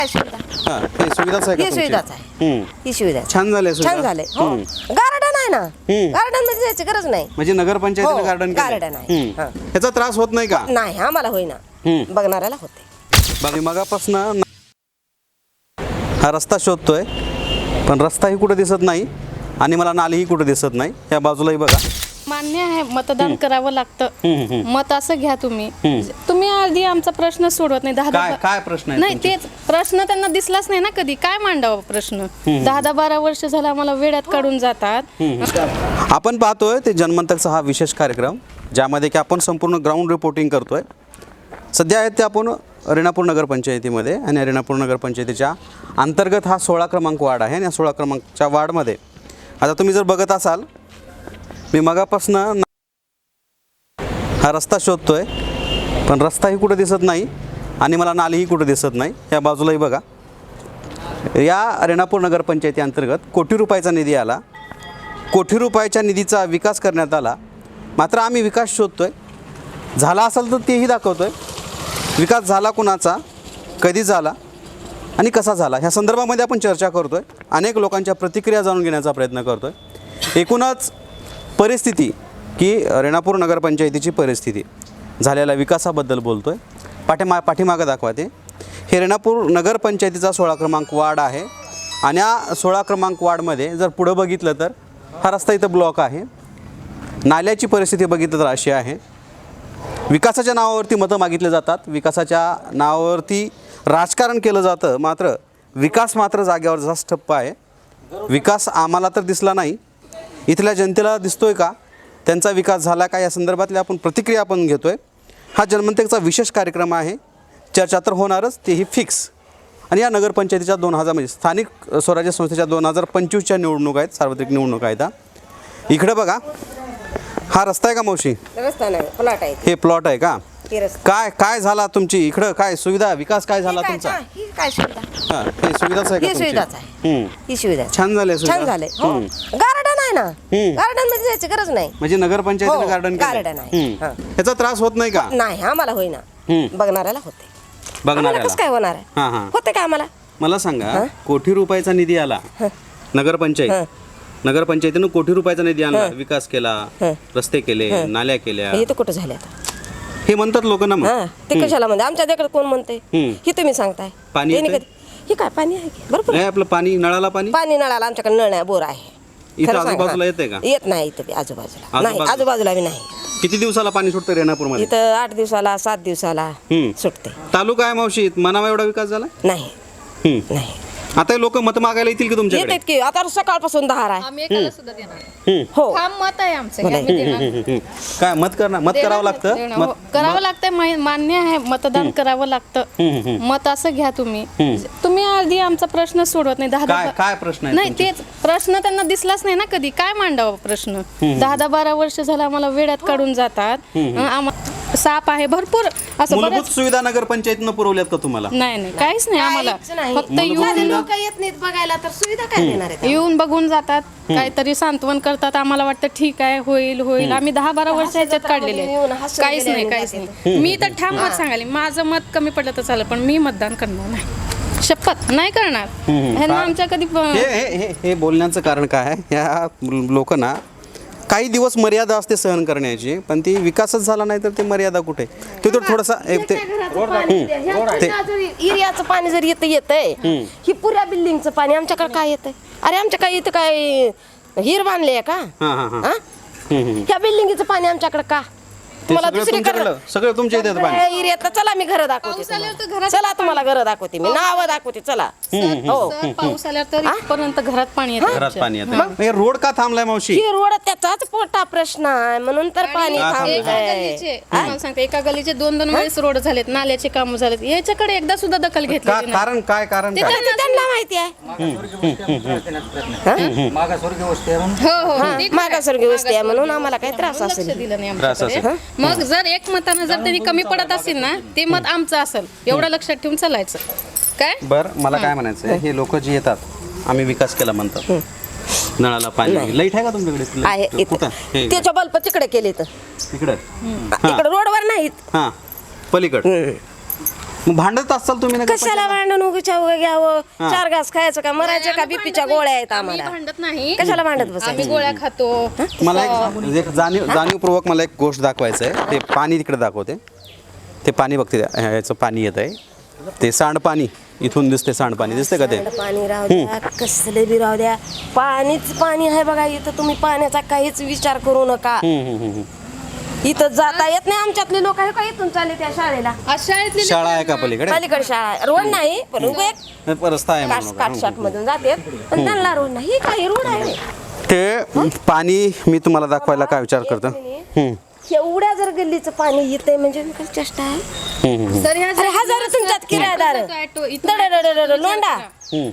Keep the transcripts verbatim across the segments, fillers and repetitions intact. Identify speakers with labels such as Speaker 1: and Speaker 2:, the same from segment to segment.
Speaker 1: हा, हे सुविधाच आहे का
Speaker 2: ही
Speaker 1: तुमची?
Speaker 2: सुविधाच आहे
Speaker 1: हम्म.
Speaker 2: ही सुविधा आहे.
Speaker 1: छान झाले
Speaker 2: छान झाले हो गार्डन आहे ना गार्डन मध्ये जायची गरज नाही
Speaker 1: म्हणजे नगरपंचायतीने
Speaker 2: हो,
Speaker 1: गार्डन
Speaker 2: garden आहे. हा.
Speaker 1: ह्याचा त्रास होत नाही का?
Speaker 2: नाही आम्हाला होईना
Speaker 1: हम्म.
Speaker 2: बघणाऱ्याला होते
Speaker 1: बाकी मगापासून हा रस्ता शोधतोय पण रस्ताही कुठे दिसत नाही आणि मला नालीही कुठे दिसत नाही. त्या बाजूलाही बघा.
Speaker 3: मान्य आहे मतदान करावं लागतं.
Speaker 1: हम्म, हम्म.
Speaker 3: मत असं घ्या तुम्ही तुम्ही आधी आमचा प्रश्न सोडवत नाही. दहा
Speaker 1: काय
Speaker 3: दहा
Speaker 1: काय प्रश्न आहे
Speaker 3: नाही
Speaker 1: तुमचे?
Speaker 3: तेच प्रश्न त्यांना दिसलाच नाही ना कधी. काय मांडावा प्रश्न? दहा दहा बारा वर्ष झालं आम्हाला वेड्यात काढून जातात.
Speaker 1: आपण पाहतोय ते जनमंतकचा हा विशेष कार्यक्रम ज्यामध्ये की आपण संपूर्ण ग्राउंड रिपोर्टिंग करतोय. सध्या आहेत ते आपण रेणापूर नगरपंचायतीमध्ये आणि रेणापूर नगरपंचायतीच्या अंतर्गत हा सोळा क्रमांक वार्ड आहे आणि या सोळा क्रमांकच्या वार्डमध्ये आता तुम्ही जर बघत असाल मी मगापासनं हा रस्ता शोधतोय पण रस्ताही कुठे दिसत नाही आणि मला नालीही कुठे दिसत नाही. या बाजूलाही बघा. या रेणापूर नगरपंचायती अंतर्गत कोटी रुपयाचा निधी आला. कोटी रुपयाच्या निधीचा विकास करण्यात आला. मात्र आम्ही विकास शोधतोय. झाला असेल तर तेही दाखवतोय. विकास झाला कुणाचा, कधी झाला आणि कसा झाला ह्या संदर्भामध्ये आपण चर्चा करतोय. अनेक लोकांच्या प्रतिक्रिया जाणून घेण्याचा प्रयत्न करतोय. एकूणच परिस्थिती की रेणापूर नगरपंचायतीची परिस्थिती झालेल्या विकासाबद्दल बोलतोय. पाठीमा पाठीमागं दाखवा ते. हे रेणापूर नगरपंचायतीचा सोळा क्रमांक वार्ड आहे आणि या सोळा क्रमांक वार्डमध्ये जर पुढं बघितलं तर हा रस्ता इथं ब्लॉक आहे. नाल्याची परिस्थिती बघितलं तर अशी आहे. विकासाच्या नावावरती मतं मागितले जातात. विकासाच्या नावावरती राजकारण केलं जातं. मात्र विकास मात्र जागेवर जास्त ठप्प आहे. विकास आम्हाला तर दिसला नाही. इथल्या जनतेला दिसतोय का? त्यांचा विकास झाला का? या संदर्भातल्या आपण प्रतिक्रिया आपण घेतोय. हा जनमंतकचा विशेष कार्यक्रम आहे. चर्चा तर होणारच, तेही फिक्स. आणि या नगरपंचायतीच्या दोन हजार म्हणजे स्थानिक स्वराज्य संस्थेच्या दोन हजार पंचवीसच्या निवडणूक आहेत, सार्वत्रिक निवडणूक आहेत. इकडे बघा. हा रस्ता आहे का मावशी?
Speaker 2: रस्ता नाही प्लॉट आहे
Speaker 1: हे प्लॉट आहे का?
Speaker 2: ही रस्ता
Speaker 1: काय काय झाला तुमची इकडं? काय सुविधा विकास काय झाला
Speaker 2: काय-
Speaker 1: तुमचा?
Speaker 2: हा, ही काय सुविधा
Speaker 1: हा, हे सुविधाच आहे का
Speaker 2: ही
Speaker 1: तुमची?
Speaker 2: सुविधाच आहे
Speaker 1: हम्म.
Speaker 2: ही सुविधा आहे.
Speaker 1: छान झाले सुविधा?
Speaker 2: छान झाले हो
Speaker 1: हम्म.
Speaker 2: गार्डन आहे ना
Speaker 1: हम्म.
Speaker 2: गार्डन मध्ये जायची गरज नाही
Speaker 1: म्हणजे नगरपंचायतीने
Speaker 2: हो,
Speaker 1: गार्डन
Speaker 2: garden आहे. हा.
Speaker 1: ह्याचा त्रास होत नाही का?
Speaker 2: नाही आम्हाला होईना
Speaker 1: हम्म.
Speaker 2: बघणाऱ्याला होते आम्हाला
Speaker 1: बघणाऱ्याला
Speaker 2: कसं काय होणार आहे
Speaker 1: हा हा
Speaker 2: होते का आम्हाला
Speaker 1: मला सांगा कोटी रुपयाचा निधी आला नगरपंचायत नगरपंचायतीनं कोटी रुपयाचा निधी आणला, विकास केला, रस्ते केले, नाल्या केल्या,
Speaker 2: हे तर कुठं झाले आता
Speaker 1: हे म्हणतात लोक ना. मग
Speaker 2: हा ते कशाला म्हणते आमच्या देखत कोण म्हणते
Speaker 1: हम्म.
Speaker 2: हे तुम्ही सांगताय
Speaker 1: पाणी
Speaker 2: त्यांनी
Speaker 1: येतंय?
Speaker 2: कधी हे काय पाणी आहे की बरोबर
Speaker 1: नाही आपलं पाणी नळाला पाणी
Speaker 2: पाणी नळाला आमच्याकडे नळ नाही बोर आहे
Speaker 1: इथं
Speaker 2: खरं सांग,
Speaker 1: आजूबाजूला
Speaker 2: हा.
Speaker 1: येतंय का?
Speaker 2: येत नाही इथं बी आजूबाजूला नाही
Speaker 1: आजूबाजूला?
Speaker 2: आजूबाजूला बी नाही
Speaker 1: किती दिवसाला पाणी सुटतं रेणापूर मध्ये?
Speaker 2: इथं आठ दिवसाला सात दिवसाला
Speaker 1: हम्म.
Speaker 2: सुटते
Speaker 1: तालुका आहे मावशी, मनावा एवढा विकास झाला?
Speaker 2: नाही
Speaker 1: हम्म.
Speaker 2: नाही
Speaker 1: आता लोक मत मागायला येतील की तुमच्याकडे?
Speaker 2: येतात की आता सकाळपासून दहा आहे
Speaker 3: आम्ही एकाला सुद्धा देणार नाही.
Speaker 1: हम्म.
Speaker 2: हो
Speaker 3: ठाम मत आहे आमचं हे आम्ही देणार.
Speaker 1: हम्म. काय मत करणार? मत करावं लागतं.
Speaker 3: देणार.
Speaker 1: मत
Speaker 3: हो, करावं लागतंय मा- मान्य आहे मतदान करावं लागतं. मत असं घ्या तुम्ही तुम्ही आधी आमचा प्रश्न सोडवत नाही. दहा
Speaker 1: काय
Speaker 3: दहा
Speaker 1: काय प्रश्न आहे
Speaker 3: नाही
Speaker 1: तुमचे?
Speaker 3: तेच प्रश्न त्यांना दिसलाच नाही ना कधी. काय मांडावा प्रश्न? दहा दहा बारा वर्ष झालं आम्हाला वेड्यात काढून जातात. आम्हाला साप आहे भरपूर असं
Speaker 1: मूलभूत
Speaker 3: बरंच.
Speaker 1: सुविधा नगरपंचायतीनं पुरवल्यात का तुम्हाला?
Speaker 3: नाही नाही काहीच नाही आम्हाला.
Speaker 2: काहीच नाही.
Speaker 3: फक्त
Speaker 1: मूलभूत
Speaker 3: येऊन
Speaker 1: सुविधा?
Speaker 2: लोक येत नाहीत बघायला तर सुविधा काय देणार आहेत
Speaker 3: येऊन बघून जातात, काहीतरी सांत्वन करतात. आम्हाला वाटतं ठीक आहे होईल होईल. आम्ही दहा बारा वर्ष ह्याच्यात काढलेले आहेत.
Speaker 2: येऊन हसून
Speaker 3: काहीच
Speaker 2: गेले
Speaker 3: नाही
Speaker 2: आणि
Speaker 3: काहीच
Speaker 2: जाते.
Speaker 3: नाही. मी तर ठाम मत सांगाले माझं मत कमी पडलं तर चालेल पण मी मतदान करणार नाही. शपथ नाही करणार. ह्यांना आमच्या कधी प-
Speaker 1: हे हे हे हे बोलण्याचं कारण काय आहे? या लोकांना काही दिवस मर्यादा असते सहन करण्याची, पण ती विकासच झाला नाही तर ते मर्यादा कुठे? ते तर थोडासा एक ते
Speaker 2: एरियाचं पाणी जर येतं येतंय ही पुऱ्या बिल्डिंगचं पाणी आमच्याकडे काय येतंय? अरे आमच्या काय इथं काय हिर बांधले का?
Speaker 1: हां हां हां
Speaker 2: हा? ह्या बिल्डिंगचं पाणी आमच्याकडे का? तुम्हाला
Speaker 1: सगळं
Speaker 2: दुसरीकडे
Speaker 1: तुमच्याकडं सगळं तुमच्या इथे येतं पाणी.
Speaker 2: एरियात चला मी घर दाखवते
Speaker 3: पाऊस आल्यावर तर
Speaker 2: तुम्हाला.
Speaker 3: घरात
Speaker 2: चला तुम्हाला घर दाखवते मी नाव दाखवते चला हो
Speaker 3: सर, पाऊस आल्यावर तर इथपर्यंत घरात पाणी येतं
Speaker 1: घरात
Speaker 3: आमच्या.
Speaker 1: पाणी येतं. हे रोड का थांबलाय मावशी?
Speaker 2: ही रोड त्याचाच मोठा प्रश्न आहे म्हणून तर पाणी
Speaker 3: आणि एका
Speaker 2: थांबलंय
Speaker 3: गलीचे तुम्हाला सांगते एका गलीचे दोन दोन वेळेस रोड झालेत, नाल्याचे काम झालेत. याच्याकडे एकदा सुद्धा दखल
Speaker 1: का
Speaker 3: घेतली नाही.
Speaker 1: कारण काय कारण काय?
Speaker 2: ते त्यांना माहिती आहे
Speaker 4: मागासवर्गीय वस्ती आहे म्हणून
Speaker 3: हो हो
Speaker 2: हा,
Speaker 3: ते खरं आहे.
Speaker 2: मागासवर्गीय वस्ती आहे म्हणून आम्हाला काही त्रास
Speaker 3: लक्ष
Speaker 2: असेल
Speaker 3: दिलं नाही
Speaker 1: त्रास
Speaker 3: आमच्याकडे. मग जर एक मतानं जर त्यांनी कमी पडत असेल ना ते मत आमचं असेल एवढं लक्षात ठेवून चालायचं काय.
Speaker 1: बरं मला काय म्हणायचं हे लोक जे येतात आम्ही विकास केला म्हणतात, नळाला पाणी, लाईट आहे का तुमच्याकडे?
Speaker 2: आहे
Speaker 1: लाईट कुठं? हे
Speaker 2: इथं. त्याच्या बल्ब तिकडे केले तर
Speaker 1: इकडं
Speaker 2: इकडे रोडवर नाहीत
Speaker 1: हां पलीकड. मग भांडत असाल तुम्ही नगर
Speaker 2: कशाला भांडण उगीच्या उगा घ्यावं चार घास खायचं का मरायचं का बीपीच्या गोळ्या आहेत
Speaker 3: आम्ही
Speaker 2: आम्हाला
Speaker 3: भांडत नाही,
Speaker 2: कशाला भांडत
Speaker 3: आम्ही
Speaker 2: बसायचं
Speaker 3: गोळ्या खातो.
Speaker 1: मला एक एक जाणीव जाणीवपूर्वक मला एक गोष्ट दाखवायचं आहे. ते पाणी तिकडे दाखवते. ते पाणी बघते याचं पाणी येत आहे. ते सांडपाणी इथून दिसते. सांडपाणी दिसते का ते?
Speaker 2: पाणी राहू द्या कसले बी राहू द्या पाणीच पाणी आहे बघा इथं. तुम्ही पाण्याचा काहीच विचार करू नका.
Speaker 1: हम्म, हम्म, हम्म.
Speaker 2: इथं जाता येत नाही आमच्यातले लोक आहे का इथून चालले त्या शाळेला.
Speaker 3: आज शाळेतली
Speaker 1: शाळा आहे का पलीकडे?
Speaker 2: पलीकडे शाळा आहे. रोड नाही पण उभे एक
Speaker 1: रस्ता आहे म्हणून.
Speaker 2: काटशाट मधून जाते पण त्यांना रोड नाही. ही काही रोड आहे
Speaker 1: ते पाणी मी तुम्हाला दाखवायला काय विचार करतो. हम्म,
Speaker 2: एवढ्या जर गल्लीचं पाणी येतंय म्हणजे मी काय चेष्टा आहे.
Speaker 1: हम्म, हम्म.
Speaker 3: सर ह्या
Speaker 2: अरे हजार तुमच्यात किरायदार
Speaker 3: ऑटो इथं
Speaker 2: दडडडडड, लोंडा
Speaker 1: हम्म.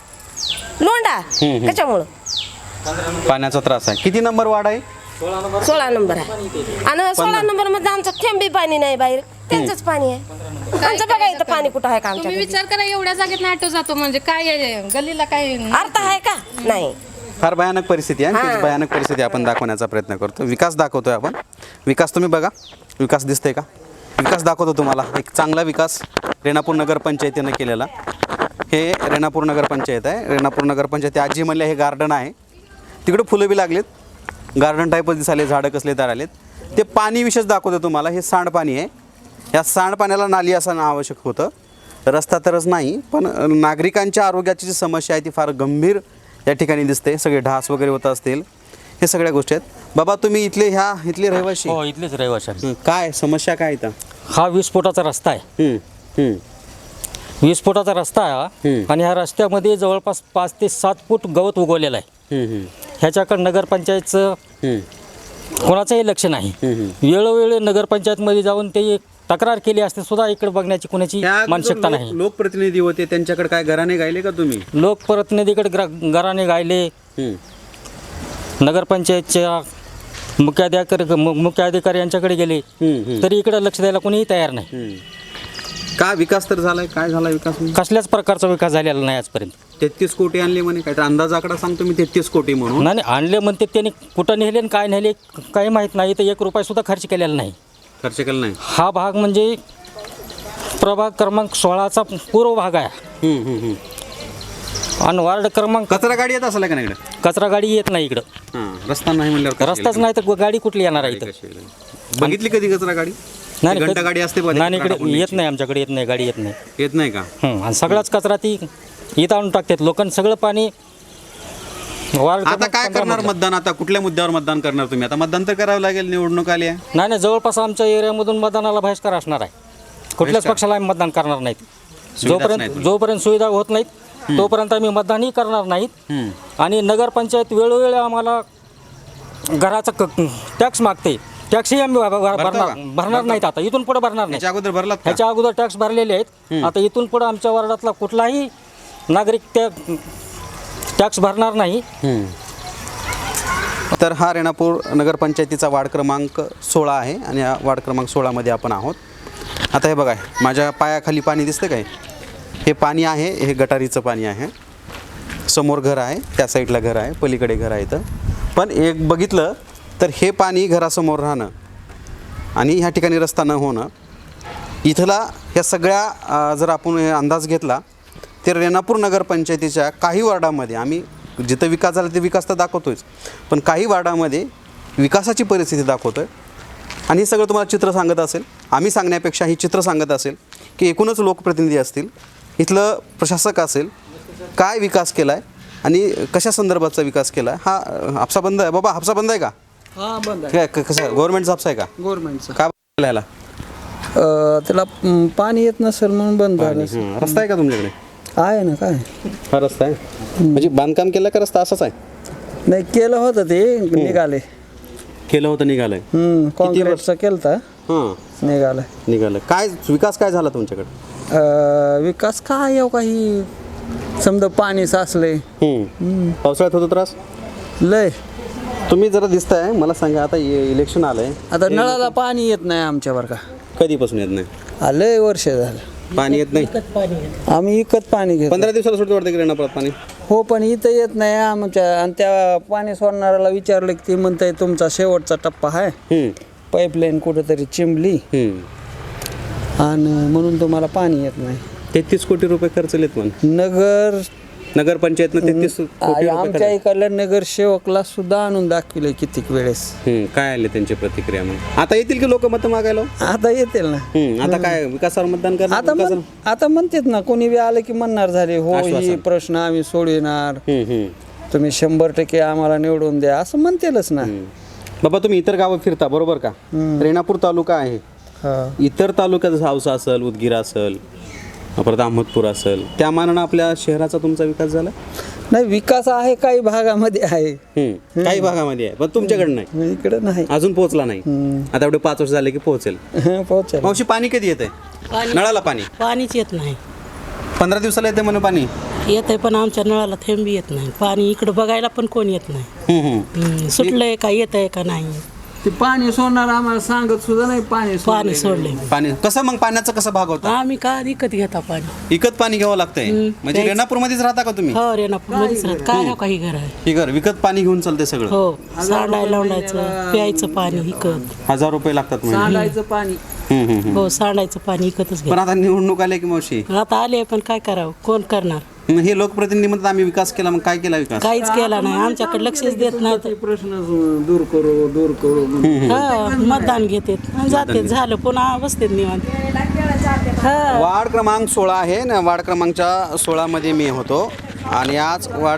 Speaker 2: लोंडा कशामुळं
Speaker 1: पाण्याचा त्रास आहे. किती नंबर वार्ड आहे?
Speaker 2: सोळा नंबर आहे आणि सोळा नंबर मध्ये आमचं थेंबी पाणी नाही बाहेर त्यांचंच पाणी आहे. आमचं बघा इथं पाणी कुठं आहे का आमच्या
Speaker 3: तुम्ही विचार करा एवढ्या जागेत ऑटो जातो म्हणजे काय आहे, गल्लीला काय
Speaker 2: अर्थ आहे का नाही.
Speaker 1: फार भयानक परिस्थिती आहे. आणि तीच भयानक परिस्थिती आपण दाखवण्याचा प्रयत्न करतो. विकास दाखवतोय आपण. विकास तुम्ही बघा. विकास दिसतोय का? विकास दाखवतो तुम्हाला. एक चांगला विकास रेणापूर नगर पंचायतीनं केलेला. हे रेणापूर नगर पंचायत आहे. रेणापूर नगर पंचायत आजी म्हणल्या हे गार्डन आहे. तिकडे फुलं बी लागलेत. गार्डन टाईपच दिसाले. झाडं कसले तर आलेत. ते पाणी विशेष दाखवतो तुम्हाला. हे सांडपाणी आहे. या सांडपाण्याला नाली असणं आवश्यक होतं. रस्ता तरच नाही पण नागरिकांच्या आरोग्याची जी समस्या आहे ती फार गंभीर या ठिकाणी दिसते. सगळे ढास वगैरे होत असतील. हे सगळ्या गोष्टी आहेत. बाबा तुम्ही इथले ह्या इथले रहिवासी?
Speaker 4: हो इथलेच रहिवासी आहे.
Speaker 1: हं, काय समस्या काय इथं?
Speaker 4: हा वीस फुटाचा रस्ता आहे.
Speaker 1: हं, हं,
Speaker 4: वीस फुटाचा रस्ता आहे हा.
Speaker 1: हम्म.
Speaker 4: आणि ह्या रस्त्यामध्ये जवळपास पाच ते सात फूट गवत उगवलेलं आहे.
Speaker 1: हं, हं,
Speaker 4: ह्याच्याकडे नगरपंचायतचं
Speaker 1: हं,
Speaker 4: कोणाचंही लक्ष नाही.
Speaker 1: हं.
Speaker 4: वेळोवेळी नगरपंचायतमध्ये जाऊन ते तक्रार केली असते सुद्धा इकडे बघण्याची कोणाची
Speaker 1: त्या
Speaker 4: मानसिकता
Speaker 1: लोक-
Speaker 4: नाही.
Speaker 1: लोकप्रतिनिधी होते त्यांच्याकडे काय घराने गायले का तुम्ही?
Speaker 4: लोकप्रतिनिधीकडे ग्रा- घराने गायले.
Speaker 1: हं,
Speaker 4: नगरपंचायतच्या मुख्याधिकारी मु- मुख्याधिकारी यांच्याकडे गेले
Speaker 1: हं, हं,
Speaker 4: तरी इकडे लक्ष द्यायला कोणीही तयार नाही.
Speaker 1: हं. का विकास तर झालाय? काय झाला विकास?
Speaker 4: कसल्याच प्रकारचा विकास झालेला नाही आजपर्यंत.
Speaker 1: तेहतीस कोटी आणले म्हणे. काय तर अंदाज आकडा सांगतो मी तेहतीस कोटी म्हणून.
Speaker 4: नाही नाही, आणले म्हणते त्यांनी कुठं नेले आणि काय नेले काही माहीत नाही. तर एक रुपया सुद्धा खर्च केलेला नाही.
Speaker 1: खर्च केला नाही.
Speaker 4: हा भाग म्हणजे प्रभाग क्रमांक सोळाचा पूर्व भाग आहे.
Speaker 1: हं, हं, हं.
Speaker 4: आणि वार्ड क्रमांक
Speaker 1: कचरा गाडी येत असेल का नाही इकडे?
Speaker 4: कचरा गाडी येत नाही इकडं.
Speaker 1: हां, रस्ता नाही म्हणल्यावर कशी
Speaker 4: रस्ताच
Speaker 1: येईल?
Speaker 4: नाही तर गाडी कुठली येणार आहे इथं?
Speaker 1: कशी येईल? बघितली कधी कचरा गाडी?
Speaker 4: नाही
Speaker 1: घंटा गाडी असते बघा,
Speaker 4: नाही
Speaker 1: कचरा
Speaker 4: इकडे
Speaker 1: टाकून
Speaker 4: येत
Speaker 1: द्यायची.
Speaker 4: नाही. आमच्याकडे येत नाही. गाडी येत नाही.
Speaker 1: येत नाही का?
Speaker 4: हं, आणि सगळाच कचरा ती इथं आणून टाकतात. लोकांनी सगळं पाणी वार्ड
Speaker 1: आता
Speaker 4: क्रमांक
Speaker 1: काय
Speaker 4: पंधरा
Speaker 1: करणार
Speaker 4: मधलं.
Speaker 1: मतदान? आता कुठल्या मुद्द्यावर मतदान करणार तुम्ही? आता मतदान तर करावं लागेल. निवडणूक आली आहे.
Speaker 4: नाही नाही, जवळपास आमच्या एरियामधून मतदानाला बहिष्कार असणार आहे. कुठल्याच
Speaker 1: बहिष्कार?
Speaker 4: पक्षाला आम्ही मतदान करणार नाहीत.
Speaker 1: सुविधाच
Speaker 4: जोपर्यंत
Speaker 1: नाहीत.
Speaker 4: जोपर्यंत सुविधा होत नाहीत तोपर्यंत आम्ही मतदानही करणार नाहीत.
Speaker 1: हं.
Speaker 4: आणि नगरपंचायत वेळोवेळी आम्हाला घराचा टॅक्स मागते. टॅक्सही आम्ही भर- भर-
Speaker 1: भरतो
Speaker 4: भरणार
Speaker 1: का?
Speaker 4: भरणार नाहीत. आता इथून पुढे भरणार नाही.
Speaker 1: याच्या अगोदर भरलात का?
Speaker 4: ह्याच्या अगोदर टॅक्स भरलेले आहेत. आता इथून पुढे आमच्या वार्डातला कुठलाही नागरिक त्या टॅक्स भरणार नाही.
Speaker 1: हं. तर हा रेणापूर नगरपंचायतीचा वार्ड क्रमांक सोळा आहे आणि या वार्ड क्रमांक सोळामध्ये आपण आहोत. आता हे बघा, माझ्या पायाखाली पाणी दिसतं काय? हे पाणी आहे. हे गटारीचं पाणी आहे. समोर घर आहे. त्या साईडला घर आहे. पलीकडे घर आहे. इथं पण एक बघितलं तर हे पाणी घरासमोर राहणं आणि ह्या ठिकाणी रस्ता न होणं, इथला ह्या सगळ्या अ, जर आपण हे अंदाज घेतला तर रेणापूर नगरपंचायतीच्या काही वार्डामध्ये आम्ही जिथं विकास झाला ते विकास तर दाखवतोच, पण काही वार्डामध्ये विकासाची परिस्थिती दाखवतो आहे. आणि हे सगळं तुम्हाला चित्र सांगत असेल. आम्ही सांगण्यापेक्षा ही चित्र सांगत असेल की एकूणच लोकप्रतिनिधी असतील, इथलं प्रशासक असेल, काय विकास केला आहे आणि कशा संदर्भाचा विकास केला आहे. हा अ, हापसा बंद आहे बाबा? हापसा बंद आहे का?
Speaker 5: हा बंद आहे.
Speaker 1: काय क- कसं गव्हर्नमेंटचा हापसा आहे का?
Speaker 5: गव्हर्नमेंटचं
Speaker 1: का याला
Speaker 5: त्याला म, पाणी येत नसेल म्हणून बंद झालं.
Speaker 1: हं, रस्ता आहे का तुमच्याकडे?
Speaker 5: आहे ना काय
Speaker 1: हा रस्ता आहे म्हणजे बांधकाम केलं का रस्ता असाच आहे?
Speaker 5: नाही केलं होतं ते निघाले.
Speaker 1: केलं होतं निघालंय.
Speaker 5: हम्म कॉन्क्रीटचं केलं तर
Speaker 1: हां,
Speaker 5: निघालं.
Speaker 1: निघालं. काय विकास काय झाला तुमच्याकडे?
Speaker 5: अं, विकास काय येऊ काही समजा पाणी साचले
Speaker 1: हं. पावसाळ्यात होतो त्रास?
Speaker 5: लय.
Speaker 1: तुम्ही जरा दिसताय मला सांगा. आता इ- इलेक्शन आलंय.
Speaker 5: आता नळाला पाणी येत नाही आमच्यावर का.
Speaker 1: कधीपासून येत नाही
Speaker 5: आ, लय वर्ष झालं
Speaker 1: पाणी? येत नाही.
Speaker 5: आम्ही विकत पाणी घेतो.
Speaker 1: पंधरा दिवसाला सुटतं वाटतं की रेणापुरात पाणी?
Speaker 5: हो पण इथं येत नाही आमच्या. आणि त्या पाणी सोडणाऱ्याला विचारलं की ते म्हणताय तुमचा शेवटचा टप्पा आहे.
Speaker 1: हं,
Speaker 5: पाईपलाईन कुठेतरी चिंबली.
Speaker 1: हं.
Speaker 5: आणि म्हणून तुम्हाला पाणी येत नाही.
Speaker 1: तेहतीस कोटी रुपये खर्चलेत म्हणून
Speaker 5: नगर
Speaker 1: नगरपंचायतनं तेहतीस कोटी रुपये
Speaker 5: आमच्या इकडल्या नगरसेवकला सुद्धा आणून दाखविले कितीक वेळेस.
Speaker 1: हम्म, काय आले त्यांची प्रतिक्रिया मग? आता येतील की लोक मतं मागायला?
Speaker 5: आता येतील ना.
Speaker 1: हम्म, आता काय विकासावर मतदान करणार?
Speaker 5: आता म्हण-
Speaker 1: विकासावर-
Speaker 5: आता म्हणतात ना, कोणी बी आलं की म्हणणार झाले हो
Speaker 1: आश्वासन.
Speaker 5: ही प्रश्न आम्ही सोडविणार,
Speaker 1: हम्म, हम्म,
Speaker 5: तुम्ही शंभर टक्के आम्हाला निवडून द्या असं म्हणतेलच ना.
Speaker 1: हम्म. बाबा तुम्ही इतर गावं फिरता बरोबर का? रेणापूर तालुका आहे,
Speaker 5: हा.
Speaker 1: इतर तालुक्यात जसं औसा असेल, उदगीर असेल, परत अहमदपूर असेल, त्या मानानं आपल्या शहराचा तुमचा विकास झाला?
Speaker 5: नाही, विकास आहे काही भागामध्ये आहे,
Speaker 1: हम्म, काही भागामध्ये आहे पण तुमच्याकडे नाही,
Speaker 5: इकडे नाही.
Speaker 1: अजून पोहोचला नाही. आता एवढे पाच वर्ष झाले की पोहोचेल.
Speaker 5: पोहोचेल.
Speaker 1: मावशी पाणी कधी येते? नळाला पाणी
Speaker 6: पाणीच येत नाही.
Speaker 1: पंधरा दिवसाला येते म्हणून पाणी.
Speaker 6: येत आहे पण आमच्या नळाला थेंबी येत नाही. पाणी इकडं बघायला पण कोण येत नाही.
Speaker 1: हम्म, हम्म.
Speaker 6: हम्म, सुटलंय का येत आहे का नाही.
Speaker 5: ते पाणी सोडणार आम्हाला सांगत सुद्धा नाही पाणी
Speaker 6: पाणी
Speaker 5: सोडलंय.
Speaker 6: सोडले
Speaker 1: पाणी कसं मग पाण्याचं कसं भाग होता?
Speaker 6: आम्ही का विकत घेता पाणी.
Speaker 1: विकत पाणी घ्यावं लागतंय. म्हणजे रेणापूर मध्येच राहता का तुम्ही?
Speaker 6: हो रेणापूर मध्येच राहत. काय हो काही घर आहे.
Speaker 1: हे घर विकत पाणी घेऊन चालते सगळं.
Speaker 6: हो सांडायला लावडायचं, प्यायचं पाणी विकत.
Speaker 1: हजार रुपये लागतात म्हणजे.
Speaker 5: सांडायचं पाणी.
Speaker 1: हम्म, हम्म, हम्म.
Speaker 6: हो सांडायचं पाणी विकतच
Speaker 1: पण
Speaker 6: घ्या.
Speaker 1: आता निवडणूक आल्या की मावशी,
Speaker 6: आता आले पण काय करावं, कोण करणार.
Speaker 1: मग हे लोकप्रतिनिधी म्हणतात आम्ही विकास केला, मग काय केला विकास?
Speaker 6: काहीच केला नाही. आमच्याकडे लक्षच देत नाही.
Speaker 5: ते प्रश्न दूर करू दूर करू म्हणून.
Speaker 6: हा मतदान घेतात जाते, झालं पुन्हा बसतेत निवांत. हा
Speaker 1: वार्ड क्रमांक सोळा आहे ना, वार्ड क्रमांकच्या सोळामध्ये मी होतो आणि आज वार्ड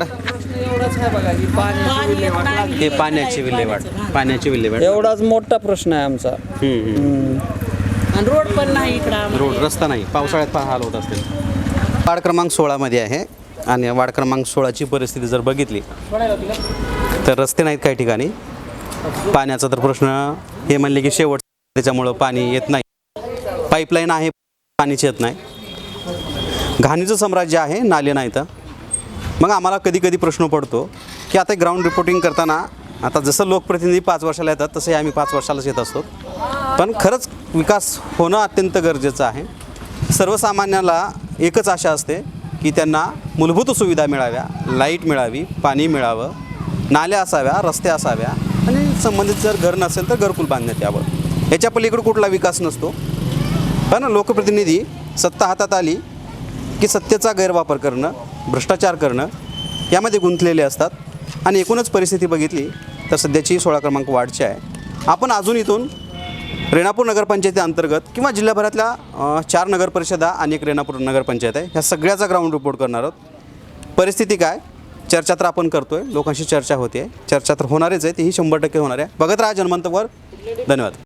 Speaker 6: पाणी येत नाही.
Speaker 1: हे पाण्याची विल्हेवाट, पाण्याची विल्हेवाट.
Speaker 5: एवढाच मोठा प्रश्न आहे आमचा.
Speaker 1: हम्म, हम्म.
Speaker 6: आणि रोड पण नाही इकडं आम्हाला.
Speaker 1: रोड रस्ता नाही, पावसाळ्यात फार हाल होत असतील. वार्ड क्रमांक सोळामध्ये आहे आणि वार्ड क्रमांक सोळाची परिस्थिती जर बघितली तर रस्ते नाहीत काही ठिकाणी. पाण्याचा तर प्रश्न हे म्हणले की शेवट, त्याच्यामुळं पाणी येत नाही. पाईपलाईन आहे, पाणीच येत नाही. घाणीचं साम्राज्य आहे, नाले नाहीत. मग आम्हाला कधी कधी प्रश्न पडतो की आता ग्राउंड रिपोर्टिंग करताना, आता जसं लोकप्रतिनिधी पाच वर्षाला येतात तसे आम्ही पाच वर्षालाच येत असतो. पण खरंच विकास होणं अत्यंत गरजेचं आहे. सर्वसामान्याला एकच आशा असते की त्यांना मूलभूत सुविधा मिळाव्या, लाईट मिळावी, पाणी मिळावं, नाल्या असाव्या, रस्ते असाव्या आणि संबंधित जर घर नसेल तर घरकुल बांधण्यात यावं. याच्या पलीकडे कुठला विकास नसतो. पण लोकप्रतिनिधी सत्ता हातात आली की सत्तेचा गैरवापर करणं, भ्रष्टाचार करणं यामध्ये गुंतलेले असतात. आणि एकूणच परिस्थिती बघितली तर सध्याची सोळा क्रमांक वार्डची आहे. आपण अजून इथून रेणापूर नगरपंचायती अंतर्गत किंवा जिल्ह्याभरातल्या अ, चार नगरपरिषदा आणि एक रेणापूर नगरपंचायत आहे, ह्या सगळ्याचा ग्राउंड रिपोर्ट करणार आहोत. परिस्थिती काय, चर्चा तर आपण करतोय, लोकांशी चर्चा होते, चर्चा तर होणारच आहे, तीही शंभर टक्के होणार आहे. बघत राहा जनमंतवर. धन्यवाद.